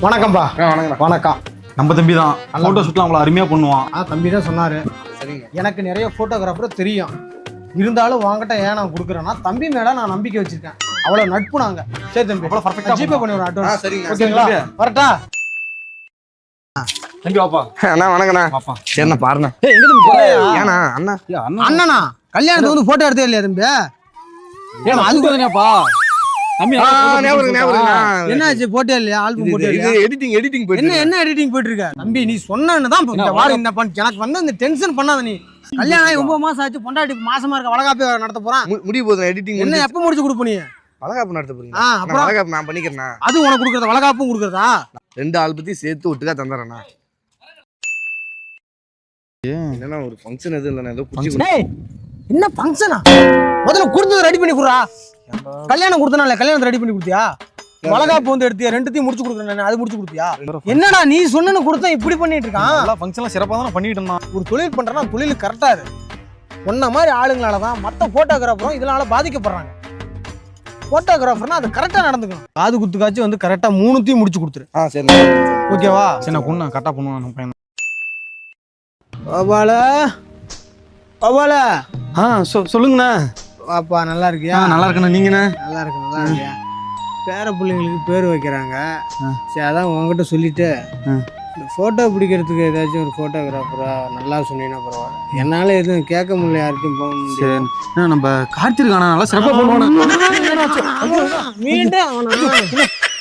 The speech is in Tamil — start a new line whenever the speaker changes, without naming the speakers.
வணக்கம்பா.
வணக்கம்.
வணக்கம்.
நம்ம தம்பி தான் ஃபோட்டோ ஷூட்லாம் அவ்வளோ அருமையாக பண்ணுவான்.
தம்பி தான் சொன்னார்.
சரிங்க.
எனக்கு நிறைய ஃபோட்டோகிராஃபர் தெரியும், இருந்தாலும் வாங்கிட்ட ஏன் நான் கொடுக்குறேன்னா தம்பி மேலே நான் நம்பிக்கை வச்சிருக்கேன். அவ்வளோ நட்பு நாங்க. சரி தம்பி,
அவ்வளோ பர்ஃபெக்டாக
ஜிபே பண்ணி விடுறேன் அட்வான்ஸ்.
சரிங்க.
ஓகேங்களா? வரட்டா?
தம்பி வாப்பா.
அண்ணா வணக்கண்ணா.
வாப்பா.
சரிண்ணா பாருண்ணா.
எங்க தம்பி போறியா?
ஏண்ணா அண்ணா
அண்ணனா கல்யாணத்துக்கு வந்து போட்டோ எடுத்தே இல்லையா தம்பி?
அதுக்கு தானேப்பா தம்பி.
என்னாச்சு? போட்டே இல்லையா? ஆல்பம் போட்டே இல்லையா?
எடிட்டிங் போயிட்டு
என்ன எடிட்டிங் போயிட்டு இருக்க தம்பி? நீ சொன்னன்னு தான் இந்த வாரம் இந்த எனக்கு வந்து இந்த டென்ஷன் பண்ணாத. நீ கல்யாணம் ஆகி 9 மாசம் ஆச்சு, பொண்டாட்டி மாசமா இருக்க, வளகாப்பே நடத்த போறான்.
முடிய போதும். எடிட்டிங்
என்ன எப்ப முடிச்சு கொடுப்ப நீ?
வளகாப்பு நடத்த போறீங்க?
அப்புறம்
வளகாப்பு நான் பண்ணிக்கிறேண்ணா.
அது உனக்கு கொடுக்கறதா? வளகாப்பும் கொடுக்கறதா?
2 ஆல்பத்தையும் சேர்த்து ஒட்டுக்கா தந்துடுறேண்ணா. என்னன்னா ஒரு ஃபங்க்ஷன் எதுவும் இல்லைண்ணா, ஏதோ குச்சி.
என்ன ஃபங்க்ஷனா? முதல்ல கொடுத்தது ரெடி பண்ணி குடுறா. கல்யாணம் கொடுத்தனால கல்யாணத்தை ரெடி பண்ணி கொடுத்தியா? வளகாப்பு வந்து எடுத்தியா? ரெண்டுத்தையும் முடிச்சு கொடுக்குறேன், அது முடிச்சு கொடுத்தியா? என்னடா நீ சொன்னு கொடுத்தா இப்படி பண்ணிட்டு இருக்கான்?
எல்லா ஃபங்க்ஷன்லாம் சிறப்பாக தான் பண்ணிட்டு இருந்தான்.
ஒரு தொழில் பண்றேன்னா தொழில் கரெக்டா இரு. உன்ன மாதிரி ஆளுங்களால தான் மற்ற போட்டோகிராஃபரும் இதனால பாதிக்கப்படுறாங்க. போட்டோகிராஃபர்னா அது கரெக்டா நடந்துக்கணும். காது குத்துக்காச்சும் வந்து கரெக்டா 3த்தையும் முடிச்சு கொடுத்துரு.
சரிண்ணா.
ஓகேவா?
சரி நான் கொண்டு கரெக்டாக பண்ணுவான் நம்ம பையன்.
பாபால பாபால
சொல்லுங்கண்ணா.
பாப்பா நல்லா இருக்கியா?
நல்லா இருக்கண்ணா. நீங்கண்ணா?
நல்லா இருக்கு, நல்லா இருக்கியா? பேர பிள்ளைங்களுக்கு பேர் வைக்கிறாங்க. சரி, அதான் உங்ககிட்ட சொல்லிட்டு இந்த ஃபோட்டோ பிடிக்கிறதுக்கு ஏதாச்சும் ஒரு ஃபோட்டோகிராஃபரா நல்லா சொன்னீங்கன்னா பரவாயில்ல. என்னால் எதுவும் கேட்க முடியல, யார்கிட்டையும் போக முடியல.
சரி நம்ம கார்த்திருக்கானா நல்லா சிறப்பாக பண்ணுவானா?
மீண்டும்